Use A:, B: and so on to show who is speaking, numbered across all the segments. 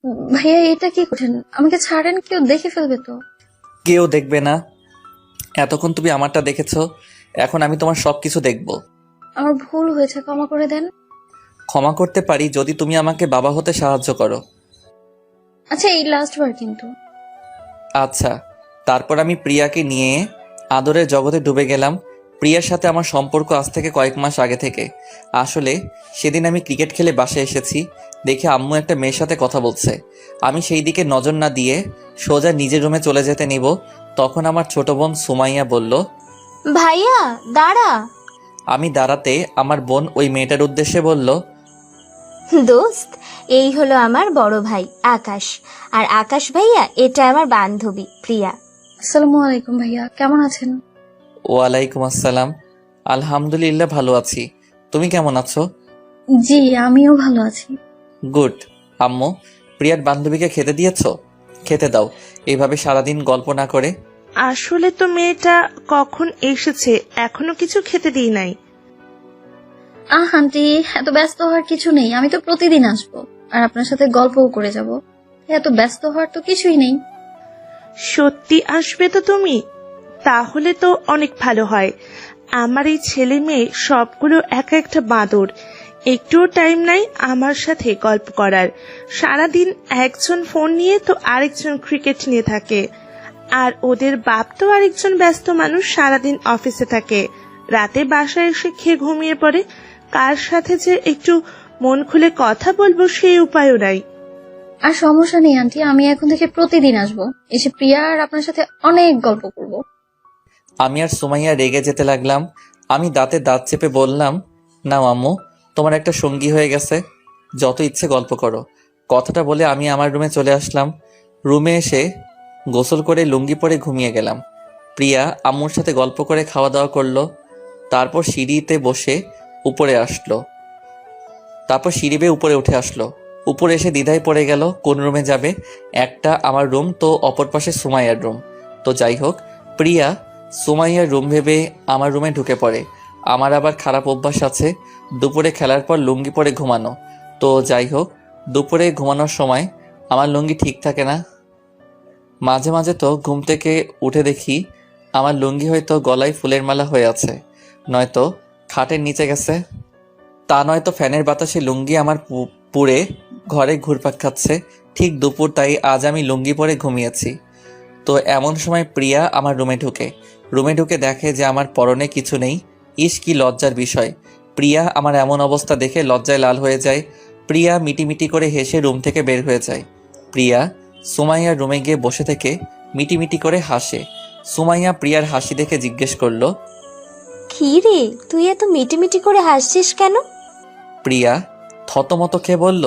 A: ভাইয়া এটা কি করছেন? আমাকে ছাড়েন, কেউ দেখে ফেলবে তো।
B: কেউ দেখবে না। এতক্ষণ তুমি আমারটা দেখেছো, এখন আমি তোমার সবকিছু দেখব।
A: আমার ভুল হয়েছে, ক্ষমা করে দেন।
B: ক্ষমা করতে পারি যদি তুমি আমাকে বাবা হতে সাহায্য করো।
A: আচ্ছা, এই লাস্ট বার কিন্তু।
B: আচ্ছা। তারপর আমি প্রিয়াকে নিয়ে আদরের জগতে ডুবে গেলাম। প্রিয়ার সাথে আমার সম্পর্ক আজ থেকে কয়েক মাস আগে থেকে। আসলে সেদিন আমি ক্রিকেট খেলে বাসায় এসেছি, দেখে আম্মু একটা মেয়ের সাথে কথা বলছে। আমি সেই দিকে নজর না দিয়ে সোজা নিজের রুমে চলে যেতে নিব, তখন আমার ছোট বোন সুমাইয়া বলল।
C: ভাইয়া দাঁড়া।
B: আমি দাঁড়াতে আমার বোন ওই মেয়েটার উদ্দেশ্যে বলল,
C: দোস্ত, এই হলো আমার বড় ভাই আকাশ, আর আকাশ ভাইয়া এটা আমার বান্ধবী প্রিয়া।
A: আসসালামু আলাইকুম ভাইয়া, কেমন আছেন?
B: ওয়ালাইকুম আসসালাম। আলহামদুলিল্লাহ ভালো আছি, তুমি কেমন আছো?
A: জি, আমিও ভালো আছি।
B: গুড। আম্মু, প্রিয়ার বান্ধবীকে খেতে দিয়েছো? খেতে দাও, এইভাবে সারাদিন গল্প না করে।
D: আসলে তো মেয়েটা কখন এসেছে, এখনো কিছু খেতে দিই নাই।
A: আন্টি, এত ব্যস্ত হওয়ার কিছু নেই, আমি তো প্রতিদিন আসবো আর আপনার সাথে গল্পও করে যাব। এত ব্যস্ত হওয়ার তো কিছুই নেই।
D: সত্যি আসবে তো তুমি? তাহলে তো অনেক ভালো হয়। আমার এই ছেলে মেয়ে সবগুলো এক একটা বাঁদর, একটুও টাইম নাই আমার সাথে গল্প করার। সারাদিন একজন ফোন নিয়ে তো আরেকজন ক্রিকেট নিয়ে থাকে, আর ওদের বাপ তো আরেকজন ব্যস্ত মানুষ, সারাদিন অফিসে থাকে, রাতে বাসায় এসে খেয়ে ঘুমিয়ে পড়ে। কার সাথে যে একটু মন খুলে কথা বলবো সেই উপায়ও নাই।
A: আর সমস্যা নেই আন্টি, আমি এখন থেকে প্রতিদিন আসবো, এসে প্রিয়া আর আপনার সাথে অনেক গল্প করব।
B: আমি আর সুমাইয়া রেগে যেতে লাগলাম। আমি দাঁতে দাঁত চেপে বললাম, নাও আম্মু, তোমার একটা সঙ্গী হয়ে গেছে, যত ইচ্ছে গল্প করো। কথাটা বলে আমি আমার রুমে চলে আসলাম। রুমে এসে গোসল করে লুঙ্গি পরে ঘুমিয়ে গেলাম। প্রিয়া আম্মুর সাথে গল্প করে খাওয়া দাওয়া করলো। তারপর সিঁড়িতে বসে উপরে আসলো। তারপর সিঁড়ি বেয়ে উপরে উঠে আসলো। উপরে এসে দ্বিধায় পড়ে গেল কোন রুমে যাবে। একটা আমার রুম, তো অপর পাশে সুমাইয়ার রুম। তো যাই হোক, প্রিয়া সুমাইয়ার রুম ভেবে আমার রুমে ঢুকে পড়ে। আমার আবার খারাপ অভ্যাস আছে দুপুরে খেলার পর লুঙ্গি পরে ঘুমানো। তো যাই হোক, দুপুরে ঘুমানোর সময় আমার লুঙ্গি ঠিক থাকে না। মাঝে মাঝে তো ঘুম থেকে উঠে দেখি আমার লুঙ্গি হয়তো গলায় ফুলের মালা হয়ে আছে, নয়তো খাটের নিচে গেছে, তা নয়তো ফ্যানের বাতাসে লুঙ্গি আমার পুড়ে ঘরে ঘুরপাক খাচ্ছে। ঠিক দুপুর, তাই আজ আমি লুঙ্গি পরে ঘুমিয়েছি। তো এমন সময় প্রিয়া আমার রুমে ঢুকে দেখে যে আমার পরনে কিছু নেই। ইস, কি লজ্জার বিষয়! প্রিয়া আমার এমন অবস্থা দেখে লজ্জায় লাল হয়ে যায়। প্রিয়া মিটিমিটি করে হেসে রুম থেকে বের হয়ে যায়। প্রিয়া সুমাইয়ার রুমে গিয়ে বসে থেকে মিটিমিটি করে হাসে। সুমাইয়া প্রিয়ার হাসি দেখে জিজ্ঞেস করলো,
C: কি রে, তুই এত মিটিমিটি করে হাসছিস কেন?
B: প্রিয়া থতমত খেয়ে বলল,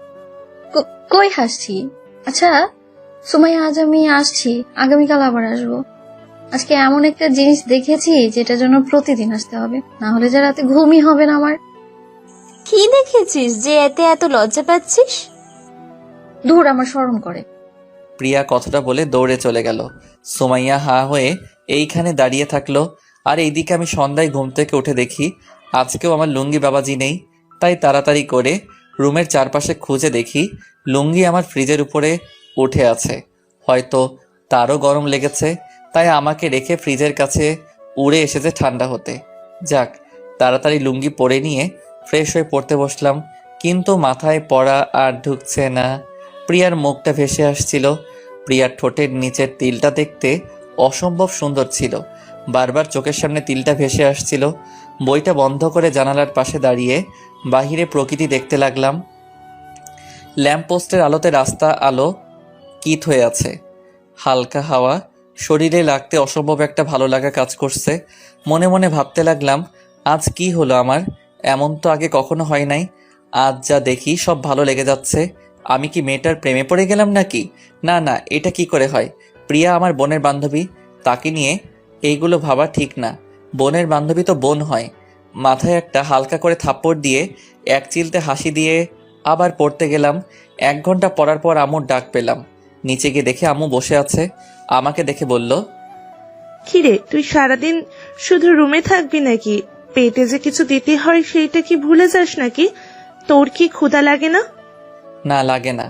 A: কই হাসছি? আচ্ছা সুমাইয়া, আজ আমি আসছি, আগামীকাল আবার আসবো। আজকে এমন একটা জিনিস দেখেছি যেটার জন্য প্রতিদিন আসতে হবে, না হলে যে রাতে ঘুমই হবে না আমার।
C: কি দেখেছিস যে এতে এত লজ্জা পাচ্ছিস?
A: দূর, আমার শরম করে।
B: প্রিয়া কথাটা বলে দৌড়ে চলে গেল। সুমাইয়া হা হয়ে এইখানে দাঁড়িয়ে থাকলো। আর এইদিকে আমি সন্ধ্যায় ঘুম থেকে উঠে দেখি আজকেও আমার লুঙ্গি বাবাজি নেই। তাই তাড়াতাড়ি করে রুমের চারপাশে খুঁজে দেখি লুঙ্গি আমার ফ্রিজের উপরে উঠে আছে। হয়তো তারও গরম লেগেছে, তাই আমাকে রেখে ফ্রিজের কাছে উড়ে এসেছে ঠান্ডা হতে। যাক, তাড়াতাড়ি লুঙ্গি পরে নিয়ে ফ্রেশ হয়ে পড়তে বসলাম, কিন্তু মাথায় পড়া আর ঢুকছে না। প্রিয়ার মুখটা ভেসে আসছিল। প্রিয়ার ঠোঁটের নিচের তিলটা দেখতে অসম্ভব সুন্দর ছিল। বারবার চোখের সামনে তিলটা ভেসে আসছিল। বইটা বন্ধ করে জানালার পাশে দাঁড়িয়ে বাহিরে প্রকৃতি দেখতে লাগলাম। ল্যাম্পপোস্টের আলোতে রাস্তা আলো কিত হয়ে আছে। হালকা হাওয়া শরীরে লাগতে অসম্ভব একটা ভালো লাগা কাজ করছে। মনে মনে ভাবতে লাগলাম, আজ কি হলো আমার? এমন তো আগে কখনো হয় নাই। আজ যা দেখি সব ভালো লেগে যাচ্ছে। আমি কি মেয়েটার প্রেমে পড়ে গেলাম নাকি? না না, এটা কি করে হয়? প্রিয়া আমার বোনের বান্ধবী, তাকে নিয়ে এইগুলো ভাবা ঠিক না। বোনের বান্ধবী তো বোন হয়। মাথায় একটা হালকা করে থাপ্পড় দিয়ে এক চিলতে হাসি দিয়ে আবার পড়তে গেলাম। 1 ঘন্টা পড়ার পর আম্মুর ডাক পেলাম। নিচে গিয়ে দেখে আম্মু বসে আছে। আমাকে দেখে বলল,
D: কিরে, তুই সারাদিন শুধু রুমে থাকবি নাকি? পেটে যে কিছু দিতে হয় সেইটা কি ভুলে যাস নাকি? তোর কি ক্ষুধা লাগে না?
B: না লাগে না।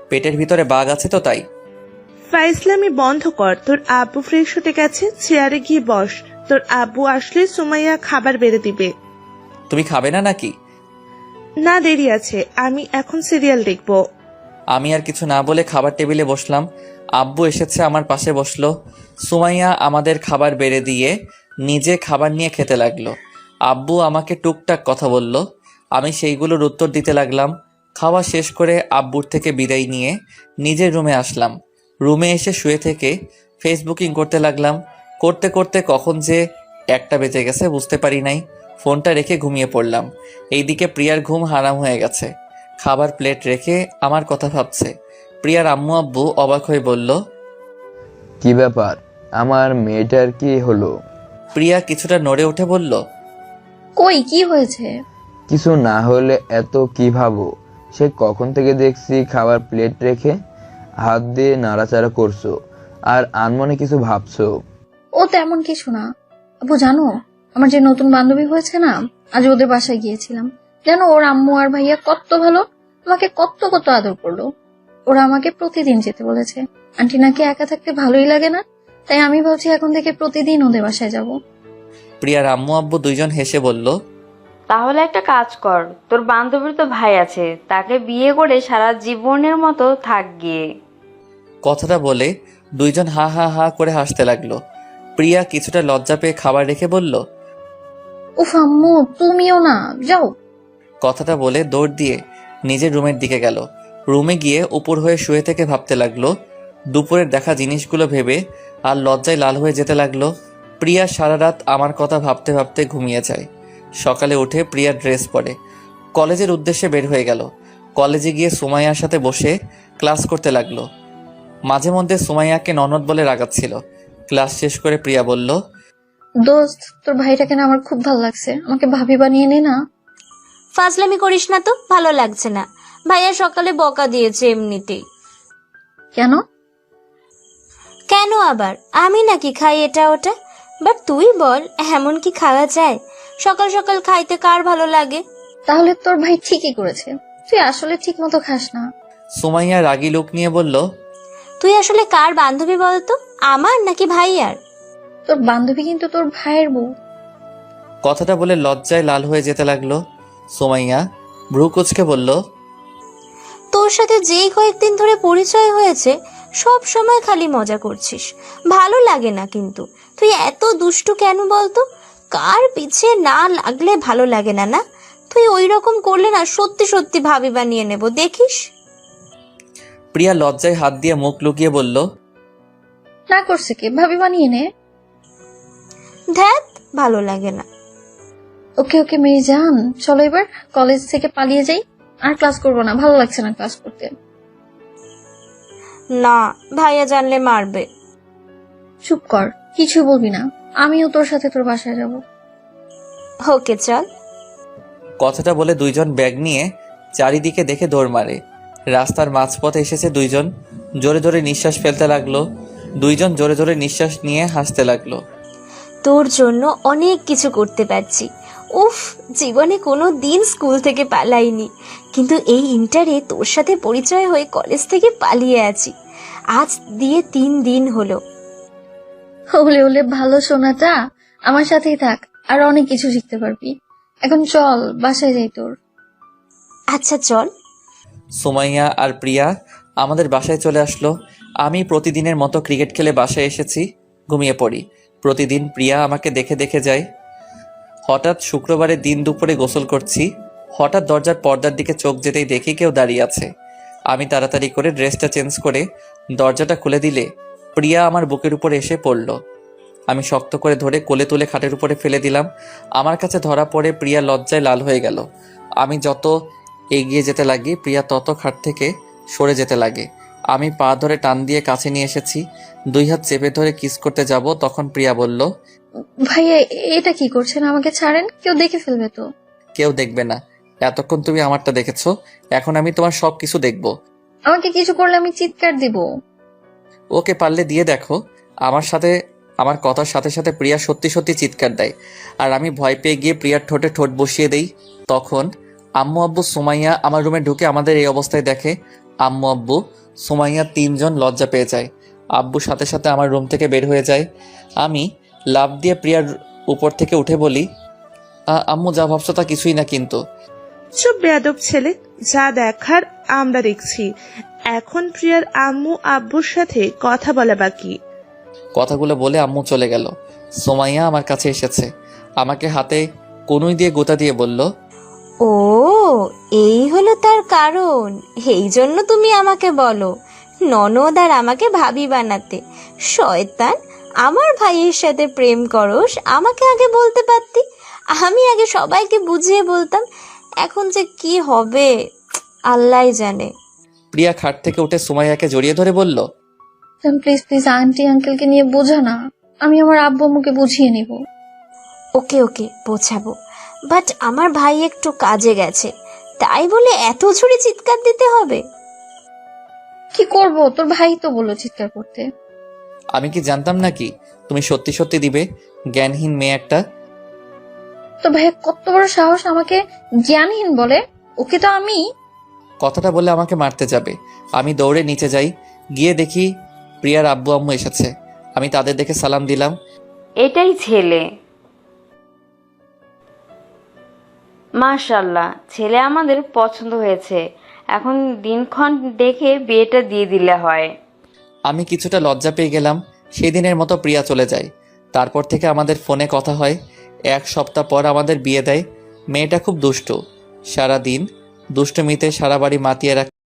B: পেটের ভিতরে বাঘ আছে তো তাই।
D: ফাইজলামি বন্ধ কর। তোর আব্বু ফ্রেশ হতে গেছে, চেয়ারে গিয়ে বস। তোর আব্বু আসলে সুমাইয়া খাবার বেড়ে দিবে।
B: তুমি খাবে না নাকি?
D: না, দেরি আছে, আমি এখন সিরিয়াল দেখবো।
B: আমি আর কিছু না বলে খাবার টেবিলে বসলাম। আব্বু এসেছে, আমার পাশে বসলো। সুমাইয়া আমাদের খাবার বেড়ে দিয়ে নিজে খাবার নিয়ে খেতে লাগলো। আব্বু আমাকে টুকটাক কথা বলল, আমি সেইগুলোর উত্তর দিতে লাগলাম। খাওয়া শেষ করে আব্বুর থেকে বিদায় নিয়ে নিজের রুমে আসলাম। রুমে এসে শুয়ে থেকে ফেসবুকিং করতে লাগলাম। করতে করতে কখন যে 1টা বেজে গেছে বুঝতে পারি নাই। ফোনটা রেখে ঘুমিয়ে পড়লাম। এইদিকে প্রিয়ার ঘুম হারাম হয়ে গেছে। খাবার প্লেট রেখে আমার কথা ভাবছে। প্রিয়ার আম্মু আব্বু অবাক হয়ে বলল,
E: কি ব্যাপার, আমার মেয়েটার কি হলো?
B: প্রিয়া কিছুটা নড়ে উঠে বলল,
A: কই কি হয়েছে?
E: কিছু না হলে এত কি ভাবো? সে কখন থেকে দেখছি খাবার প্লেট রেখে হাত দিয়ে নাড়াচাড়া করছো আর আনমনে কিছু ভাবছো।
A: ও তেমন কিছু না। আপু জানো, আমার যে নতুন বান্ধবী হয়েছে না, আজ ওদের বাসায় গিয়েছিলাম। জানো ওর আম্মু আর ভাইয়া কত ভালো, আমাকে কত কত আদর করলো। ওরা আমাকে প্রতিদিন যেতে বলেছে। আন্টি নাকি একা থাকতে ভালোই লাগে না, তাই আমি ভাবছি এখন থেকে প্রতিদিন ওদের বাসায় যাব।
B: প্রিয়ার আম্মু আব্বু দুইজন হেসে বলল,
F: তাহলে একটা কাজ কর, তোর বান্ধবীর তো ভাই আছে, তাকে বিয়ে করে সারা জীবনের মতো থাক গিয়ে।
B: কথাটা বলে দুইজন হা হা হা করে হাসতে লাগলো। প্রিয়া কিছুটা লজ্জা পেয়ে খাবার রেখে বলল,
A: উফ আম্মু তুমিও না, যাও।
B: কথাটা বলে দৌড় দিয়ে নিজের রুমের দিকে গেল। রুমে গিয়ে উপর হয়ে শুয়ে থেকে ভাবতে লাগলো। দুপুরের দেখা জিনিসগুলো ভেবে আর লজ্জায় লাল হয়ে যেতে লাগলো। প্রিয়া সারা রাত আমার কথা ভাবতে ভাবতে ঘুমিয়ে যায়। সকালে উঠে প্রিয়া ড্রেস পরে কলেজের উদ্দেশ্যে বের হয়ে গেল। কলেজে গিয়ে সুমাইয়ার সাথে বসে ক্লাস করতে লাগলো। মাঝে মধ্যে সুমাইয়াকে ননদ বলে রাগাচ্ছিল। ক্লাস শেষ করে প্রিয়া বলল,
A: দোস্ত তোর ভাইটাকে না আমার খুব ভালো লাগছে, আমাকে ভাবি বানিয়ে নে না।
C: ফাজলামি করিস না তো, ভালো লাগছে না। ভাইয়া সকালে বকা দিয়েছে এমনিতেই।
A: কেন?
C: কেন আবার? আমি নাকি খাই এটা ওটা? বাট তুই বল, এমন কি খাওয়া যায়? সকাল সকাল খাইতে কার ভালো লাগে?
A: তাহলে তোর ভাই ঠিকই করেছে, তুই আসলে ঠিক মতো খাস না।
B: সুমাইয়া রাগী লোক নিয়ে বলল,
C: তুই আসলে কার বান্ধবী বলতো, আমার নাকি ভাইয়ার?
A: তোর বান্ধবী কিন্তু তোর ভাইয়ের বউ।
B: কথাটা বলে লজ্জায় লাল হয়ে যেতে লাগলো। সুমাইয়া ভ্রু কুচকে বলল,
C: তোর সাথে যেই কয়েকদিন ধরে পরিচয় হয়েছে সব সময় খালি মজা করছিস, ভালো লাগে না। কিন্তু তুই এত দুষ্টু কেন বলতো? কার পিছে না লাগলে ভালো লাগে না, না? তুই ওই রকম করলে না সত্যি সত্যি ভাবি বানিয়ে নেব, দেখিস।
B: প্রিয়া লজ্জায় হাত দিয়ে মুখ লুকিয়ে বলল,
A: না করছে কি, ভাবি বানিয়ে নে।
C: ধ্যাত, ভালো লাগে না।
A: ওকে ওকে মেয়ে যান, চলো এবার কলেজ থেকে পালিয়ে যাই। আর ক্লাস করবো না, ভালো লাগছে না ক্লাস করতে।
C: না, ভাইয়া জানলে মারবে।
A: চুপ কর, কিছু বলবি না, আমিও তোর সাথে তোর বাসায় যাব।
C: ওকে চল।
B: কথাটা বলে দুইজন ব্যাগ নিয়ে চারিদিকে দেখে দৌড় মারে। রাস্তার মাঝপথে এসেছে দুইজন, জোরে জোরে নিঃশ্বাস ফেলতে লাগলো। দুইজন জোরে জোরে নিঃশ্বাস নিয়ে হাসতে লাগলো।
C: তোর জন্য অনেক কিছু করতে পারছি। উফ, জীবনে কোনো দিন স্কুল থেকে পালাইনি, কিন্তু এই ইন্টারে তোর সাথে পরিচয় হয়ে কলেজ থেকে পালিয়ে আছি। আজ দিয়ে 3 দিন হলো।
A: হলে হলে ভালো সোনাটা, আমার সাথেই থাক, আর অনেক কিছু শিখতে পারবি। এখন চল বাসায় যাই তোর।
C: আচ্ছা চল।
B: সুমাইয়া আর প্রিয়া আমাদের বাসায় চলে আসলো। আমি প্রতিদিনের মতো ক্রিকেট খেলে বাসায় এসেছি, ঘুমিয়ে পড়ি। প্রতিদিন প্রিয়া আমাকে দেখে দেখে যায়। হঠাৎ শুক্রবারের দিন দুপুরে গোসল করছি। হঠাৎ দরজার পর্দার দিকে চোখ যেতেই দেখি কেউ দাঁড়িয়ে আছে। আমি তাড়াতাড়ি করে ড্রেসটা চেঞ্জ করে দরজাটা খুলে দিলে প্রিয়া আমার বুকের উপরে এসে পড়ল। আমি শক্ত করে ধরে কোলে তুলে খাটের উপরে ফেলে দিলাম। আমার কাছে ধরা পড়ে প্রিয়া লজ্জায় লাল হয়ে গেল। আমি যত এগিয়ে যেতে লাগি প্রিয়া তত খাট থেকে সরে যেতে লাগে। আমি পা ধরে টান দিয়ে কাছে নিয়ে এসেছি। 2 হাত চেপে ধরে কিস করতে যাব, তখন প্রিয়া বলল,
A: ভাইয়া এটা কি করছেন, আমাকে ছাড়েন, কেউ দেখে ফেলবে তো।
B: কেউ দেখবে না, এতক্ষণ তুমি আমারটা দেখেছো, এখন আমি তোমার সব কিছু দেখব।
A: আমাকে কিছু করলে আমি চিৎকার দিব।
B: ওকে পারলে দিয়ে দেখো। আমার কথার সাথে সাথে প্রিয়া সত্যি সত্যি চিৎকার দেয়, আর আমি ভয় পেয়ে গিয়ে প্রিয়ার ঠোঁটে ঠোঁট বসিয়ে দেই। তখন আম্মু আব্বু সুমাইয়া আমার রুমে ঢুকে আমাদের এই অবস্থায় দেখে। আম্মু আব্বু সুমাইয়া 3 জন লজ্জা পেয়ে যায়। আব্বু সাথে সাথে আমার রুম থেকে বের হয়ে যায়। আমি লাফ দিয়ে প্রিয়ার উপর থেকে উঠে বলি, আম্মু যা ভাবছো তা কিছুই না কিন্তু।
D: চুপ বেয়াদব ছেলে, যা দেখার আমরা দেখছি। এখন প্রিয়ার আম্মু আব্বুর সাথে কথা বলা বাকি।
B: কথাগুলো বলে আম্মু চলে গেল। সুমাইয়া আমার কাছে এসেছে, আমাকে হাতে কনুই দিয়ে গোতা দিয়ে বলল,
C: ও, এই হলো তার কারণ। এই জন্য তুমি আমাকে বলো ননদ আর আমাকে ভাবি বানাতে। শয়তান, আমার ভাইয়ের সাথে প্রেম করস, আমাকে আগে বলতে পারতি। আমি আগে সবাইকে বুঝিয়ে বলতাম। এখন যে কি হবে আল্লাহই জানে।
B: প্রিয়া খাট থেকে উঠে সুমাইয়াকে জড়িয়ে ধরে বলল,
A: প্লিজ প্লিজ আন্টি আঙ্কেলকে নিয়ে বোঝা না, আমি আমার আব্বু আম্মুকে বুঝিয়ে নিব।
C: ওকে ওকে, বোঝাবো, বাট আমার ভাই একটু কাজে গেছে, তাই বলে এত ঝুড়ি চিৎকার দিতে হবে?
A: কি করব, তোর ভাই তো বললো চিৎকার করতে।
B: আমি কি জানতাম নাকি তুমি সত্যি সত্যি দিবে? জ্ঞানহীন মেয়ে একটা।
A: তো ভাইয়া কত বড় সাহস আমাকে জ্ঞানহীন বলে? ওকে তো আমি।
B: কথাটা বলে আমাকে মারতে যাবে। আমি দৌড়ে নিচে যাই, গিয়ে দেখি প্রিয়ার আব্বু আম্মু এসেছে। আমি তাদের দেখে সালাম দিলাম।
F: এটাই ছেলে। মাশাআল্লাহ, ছেলে আমাদের পছন্দ হয়েছে। এখন দিনক্ষণ দেখে বিয়েটা দিয়ে দিলে হয়।
B: আমি কিছুটা লজ্জা পেয়ে গেলাম। সেই দিনের মতো প্রিয়া চলে যায়। তারপর থেকে আমাদের ফোনে কথা হয়। 1 সপ্তাহ পর আমাদের বিয়ে দেয়। মেয়েটা খুব দুষ্টু, সারা দিন দুষ্টুমিতে সারা বাড়ি মাতিয়ে রাখে।